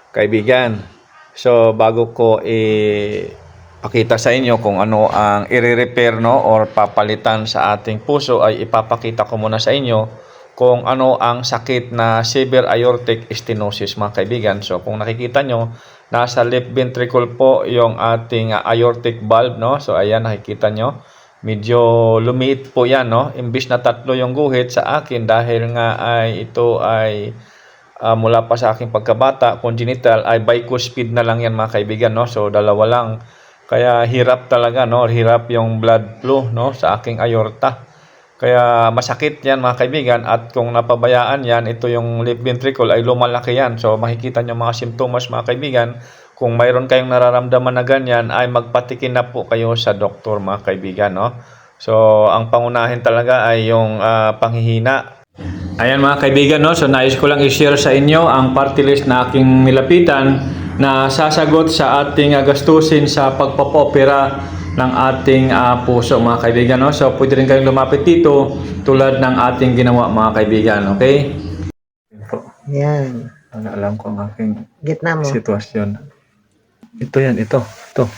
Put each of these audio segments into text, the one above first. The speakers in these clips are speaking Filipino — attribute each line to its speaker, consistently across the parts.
Speaker 1: kaibigan. So bago ko pakita sa inyo kung ano ang i-repair no or papalitan sa ating puso, ay ipapakita ko muna sa inyo kung ano ang sakit na severe aortic stenosis, mga kaibigan. So kung nakikita nyo, nasa left ventricle po yung ating aortic valve, no? So ayan, nakikita nyo, medyo lumiit po yan, no? Imbis na 3 yung guhit, sa akin dahil nga ay ito ay mula pa sa aking pagkabata, congenital, ay bicuspid na lang yan, mga kaibigan, no? So dalawa lang. Kaya hirap talaga, no? Hirap yung blood flow, no, sa aking aorta. Kaya masakit yan, mga kaibigan, at kung napabayaan yan, ito yung left ventricle ay lumalaki yan. So makikita nyo mga simptomas, mga kaibigan. Kung mayroon kayong nararamdaman na ganyan, ay magpatikin na po kayo sa doktor, mga kaibigan, no? So ang pangunahin talaga ay yung panghihina. Ayan, mga kaibigan, no? So nais ko lang i-share sa inyo ang party list na aking nilapitan na sasagot sa ating gastusin sa pagpapopera ng ating puso, mga kaibigan, no? So pwede rin kayong lumapit dito tulad ng ating ginawa, mga kaibigan, okay?
Speaker 2: Yan.
Speaker 1: Alam ko ang aking
Speaker 2: Gitna mo.
Speaker 1: sitwasyon. Ito yan, ito.
Speaker 3: Ito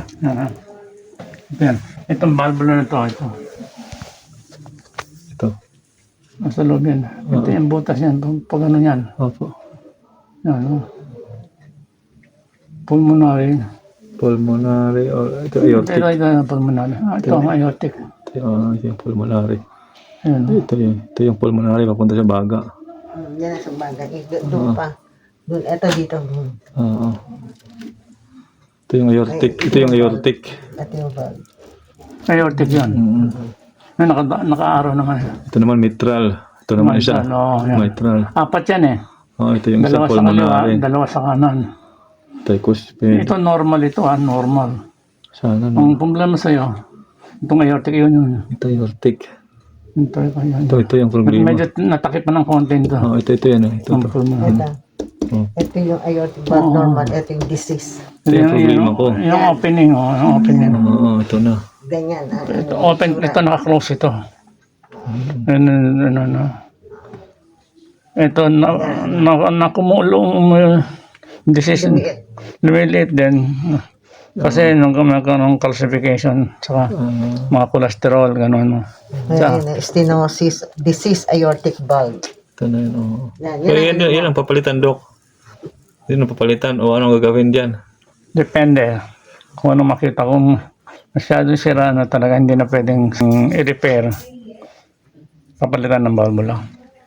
Speaker 3: yan. Itong valvula na ito.
Speaker 1: Ito.
Speaker 3: Nasa loob yan. Ito yung butas yan. Pag ano yan.
Speaker 1: Opo.
Speaker 3: Yan. Pulmonary.
Speaker 1: Pulmonary or ito aortic.
Speaker 3: Pero ito yung pulmonary. Ito ang aortic.
Speaker 1: Ito yung pulmonary.
Speaker 3: Yan.
Speaker 1: Ito yung pulmonary papunta sa baga.
Speaker 2: Yan sa bagay. Doon pa. Doon. Ito dito.
Speaker 1: Oo. Ito yung aortic. Ito yung aortic.
Speaker 2: Ito yung bag.
Speaker 3: Aortic yan. Naka-araw naman.
Speaker 1: Ito naman mitral. Ito naman isa.
Speaker 3: Yan.
Speaker 1: Mitral.
Speaker 3: 4 yan eh.
Speaker 1: Ito yung isa
Speaker 3: Dalawa sa
Speaker 1: pulmonary.
Speaker 3: kaliwa, dalawa sa kanan.
Speaker 1: Tricuspid.
Speaker 3: Ito normal ito normal.
Speaker 1: Sana no.
Speaker 3: Ang problema sa'yo, itong aortic yun.
Speaker 1: Ito aortic.
Speaker 3: Ito
Speaker 1: yung problema.
Speaker 3: medyo natakip pa ng konti ito.
Speaker 1: Ito yan. Ito.
Speaker 2: Ito yung aortic valve normal. Ito yung disease.
Speaker 1: Ito yung problema ko.
Speaker 3: Yung opening, yung opening.
Speaker 1: Ito na.
Speaker 2: Ganyan.
Speaker 3: Ito, open, ito naka-close ito. Ito, nakumulong decision. Lumiliit din. Kasi nung nagkaroon ng calcification, saka mga cholesterol, gano'n.
Speaker 2: Stenosis, disease aortic valve.
Speaker 1: Ito na yun. Oo.
Speaker 2: Yan
Speaker 1: Yan ang papalitan, Dok. Yan ang papalitan. O anong gagawin dyan?
Speaker 3: Depende. Kung ano makita, kung masyadong sira na talaga hindi na pwedeng i-repair, papalitan ng valve lang.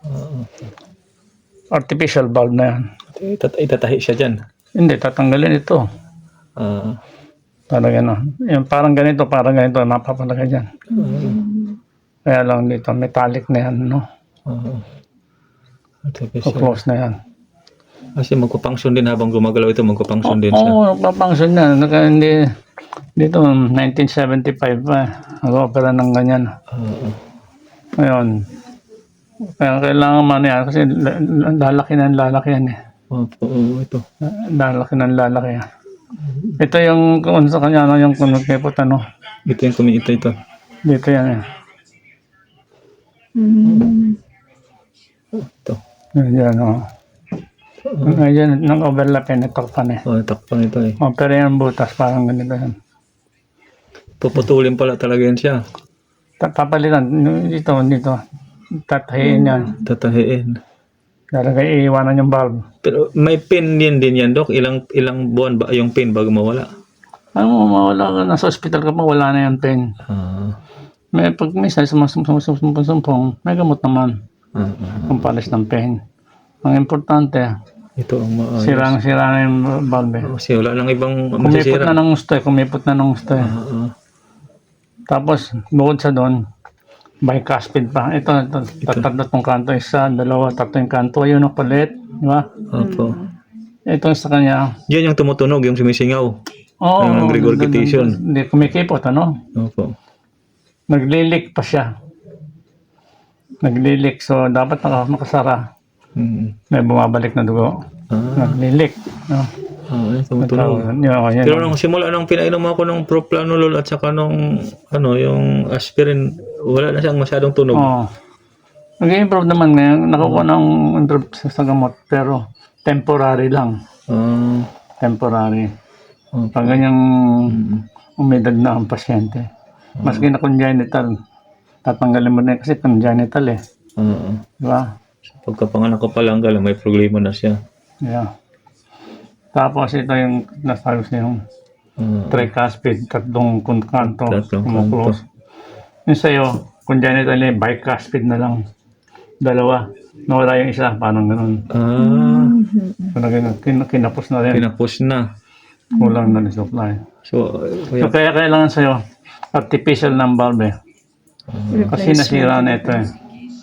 Speaker 3: Artificial valve na yan.
Speaker 1: Itatahi siya dyan.
Speaker 3: Hindi, tatanggalin ito. Para gano'n. Yung parang ganito, mapapalagay dyan. Kaya lang dito, metallic na yan, no? Close na yan.
Speaker 1: Kasi magpapunction din habang gumagalaw ito, magpapunction din siya.
Speaker 3: Oo, magpapunction na. Hindi, dito, 1975 pa. Nag-opera ng ganyan. Ngayon, kaya kailangan man yan kasi lalaki yan eh.
Speaker 1: Oo, ito.
Speaker 3: Lalaki yan. Ito yung kung sa kanya yung kumikipot
Speaker 1: Ito yung kumiita ito.
Speaker 3: dito yan eh.
Speaker 1: Ito.
Speaker 3: Yan Ngayon, nang overlap yan, takpan eh.
Speaker 1: Takpan ito eh.
Speaker 3: Pero yung butas, parang ganito yan.
Speaker 1: Puputulin pala talaga yan siya.
Speaker 3: Papalitan, dito. Tatahiin yan.
Speaker 1: Tatahiin.
Speaker 3: Lalagay, iiwanan yung valve.
Speaker 1: Pero may pin din yan, Dok. Ilang buwan ba yung pin bago mawala?
Speaker 3: Ano, mawala ka, nasa hospital ka pa, wala na yung pain. Pag minsan, sumpong, may gamot naman. Kung palis ng pain. Ang importante,
Speaker 1: ito ang maayos.
Speaker 3: sirang-sira na yung valve.
Speaker 1: Kasi wala lang ibang
Speaker 3: Kumipot na ng gusto eh. Tapos, bukod sa doon, bicuspid pa. Ito. Tatlo kanto. 1, 2, 3 yung kanto. Ayun ang palit. Di ba?
Speaker 1: Opo.
Speaker 3: Ito sa kanya.
Speaker 1: Yan yung tumutunog, yung sumisingaw.
Speaker 3: Oo.
Speaker 1: Yung regurgitation.
Speaker 3: Hindi, kumikipot,
Speaker 1: Opo.
Speaker 3: Naglilik pa siya. So, dapat nakasara. May bumabalik na dugo. Naglilik.
Speaker 1: Yung tumutunog. Pero nung simula nung pinainom ako ng propranolol at saka nung yung aspirin, wala na siyang masyadong tunog.
Speaker 3: Nag-improve naman ngayon. Nakukuha ng improve sa gamot. Pero temporary lang. Temporary.
Speaker 1: Okay.
Speaker 3: Pag ganyang umidad na ang pasyente, maski na congenital, tatanggalin mo na yun kasi congenital eh. Di ba?
Speaker 1: Pagkapanganak ko pa lang galang, may problema na siya.
Speaker 3: Yeah. Tapos ito yung nasabi sa yung tricuspid, tatlong kanto,
Speaker 1: Tatlong
Speaker 3: kumuklose. Yung sa'yo, congenital eh, bicuspid na lang. Dalawa. Nawala yung isa, parang ganun. Kinapos na rin.
Speaker 1: Pinapos na.
Speaker 3: Kulang na rin supply.
Speaker 1: So,
Speaker 3: So kaya kailangan sa'yo, artificial ng valve eh. Kasi nasira na ito eh.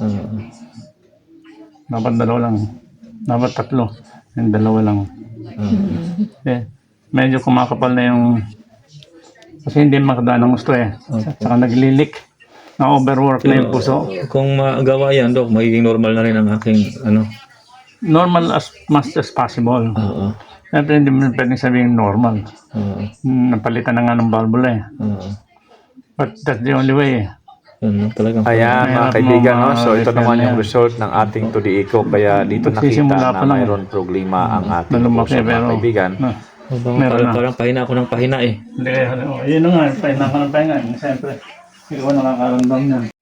Speaker 3: Dapat dalawa lang. Dapat tatlo. Yung dalawa lang. Eh, medyo kumakapal na yung... Kasi hindi makadaan ng gusto eh. Saka naglilik. Na-overwork na yung puso.
Speaker 1: kung magawa yan, Dok, magiging normal na rin ang aking,
Speaker 3: Normal as much as possible. Siyempre hindi mo pwedeng sabihin normal. Napalitan na nga ng valvula eh. But that's the only way eh.
Speaker 1: Talagang
Speaker 4: Ayan mga
Speaker 3: Mahirap
Speaker 4: kaibigan,
Speaker 3: mo
Speaker 4: no? So ito
Speaker 3: ma-repair
Speaker 4: naman
Speaker 3: yan.
Speaker 4: yung result ng ating 2D Eco. Kaya dito
Speaker 3: Magsisimula
Speaker 4: nakita
Speaker 3: pa
Speaker 4: na
Speaker 3: lang.
Speaker 4: mayroon problema ang ating
Speaker 3: Na lumaki
Speaker 4: puso mga
Speaker 3: pero...
Speaker 4: kaibigan.
Speaker 3: Meron na.
Speaker 1: parang pahina ako ng pahina eh.
Speaker 3: Hindi kaya, yun na nga, pahinga ka ng pahinga. Siyempre, ikaw nakakaramdam niyan.